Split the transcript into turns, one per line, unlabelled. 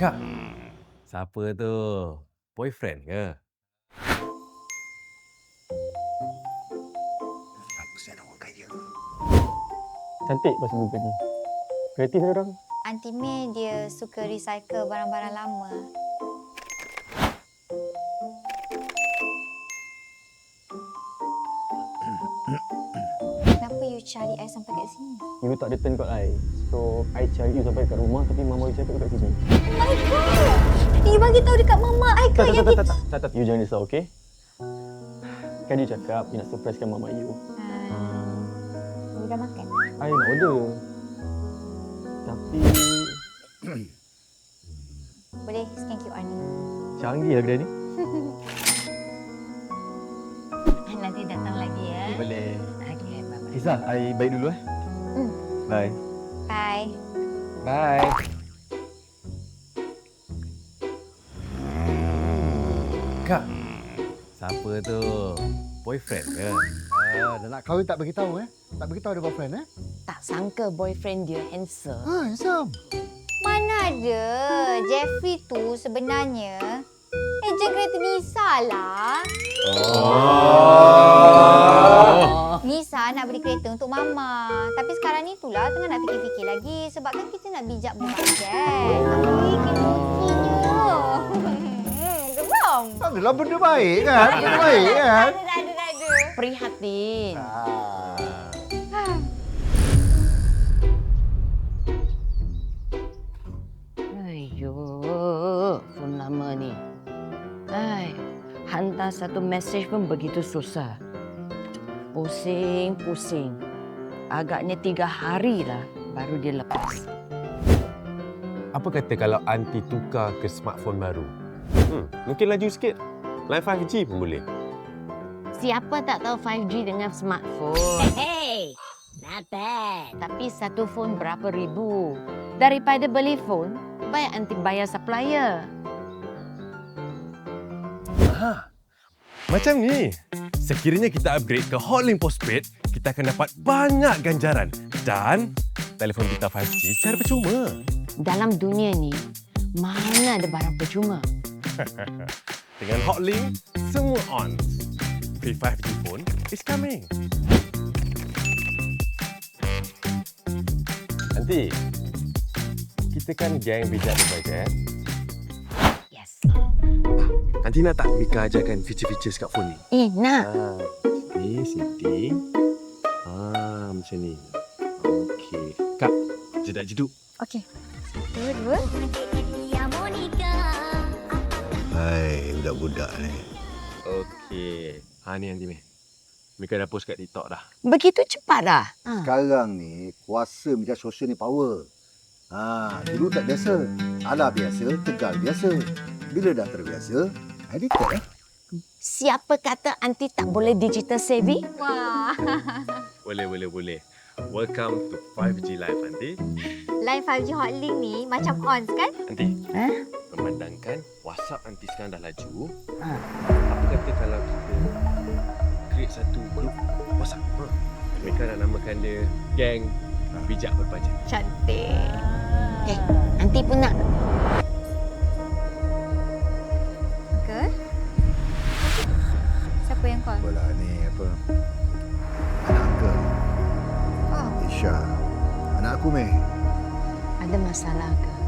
Kak, siapa tu? Boyfriend ke?
Aku saya nak orang kaya.
Cantik pasal muka ni. Kreatif ni orang.
Aunty May dia suka recycle barang-barang lama. Kenapa you cari I sampai kat sini?
You tak return kat I. So, I cari you sampai kat rumah tapi mama you cakap kat sini.
Oh my god! You bagi tahu dekat mama I ke yang kita...
Tak. You jangan risau, okey? Kan you cakap you nak surprisekan mama you.
You dah makan?
I nak order. Tapi...
Boleh scan QR ni.
canggih lah kedai ni.
Nanti datang lagi ya.
Boleh.
Okey, bye-bye.
Isa, I baik dulu Bye.
Bye.
Bye. Kak, siapa tu? Boyfriend ke?
Dah nak kahwin tak beritahu Tak beritahu ada boyfriend
Tak sangka boyfriend dia handsome.
Handsome.
Mana ada. Jeffrey tu sebenarnya ejen kereta Nisa lah. Nisa nak beli kereta untuk Mama. Tapi sekarang ni itulah tengah nak fikir-fikir lagi. Sebab kan kita nak bijak berbajet. Kena geram.
Tak adalah benda baik kan? Benda baik kan?
Tak ada.
Prihatin. Ayuh, phone lama ni. Hai, hantar satu mesej pun begitu susah. Pusing. Agaknya 3 hari lah baru dia lepas.
Apa kata kalau aunty tukar ke smartphone baru? Mungkin laju sikit. Line 5G pun boleh.
Siapa tak tahu 5G dengan smartphone? Hey, not bad. Tapi satu phone berapa ribu? Daripada beli phone, baik anti bayar supplier.
Macam ni. Sekiranya kita upgrade ke Hotlink Postpaid, kita akan dapat banyak ganjaran dan telefon kita 5G secara percuma.
Dalam dunia ni, mana ada barang percuma?
Dengan Hotlink, semua on. Free 5G pun is coming. Nanti, kita kan geng bijak berbajet.
Yes.
Nanti nak tak Mika ajarkan feature-feature kat phone ni?
Nak.
Ni setting. Macam ni. Okey. Kak, jedak-jeduk.
Okey. 1, 2.
Hai, budak-budak ni.
Okey. Ni nanti Meh. Mika dah post kat TikTok dah.
Begitu cepat dah?
Sekarang ni, kuasa media sosial ni power. Dulu tak biasa. Alah biasa, Tegal biasa. Bila dah terbiasa, addicted
Siapa kata anti tak boleh digital savvy?
Wah.
Boleh. Welcome to 5G Live, Aunty.
Line 5G Hotlink ni macam on kan?
Aunty, memandangkan WhatsApp Aunty sekarang dah laju. Apa kata kalau kita create satu grup WhatsApp? Mika nak namakan dia Geng Bijak Berbajet.
Cantik.
Okay, anti pun nak.
Ke? Siapa yang call?
Apalah ni, apa? Anak uncle,
Oh,
Isha. Anak aku, Meh.
Ada masalah ke?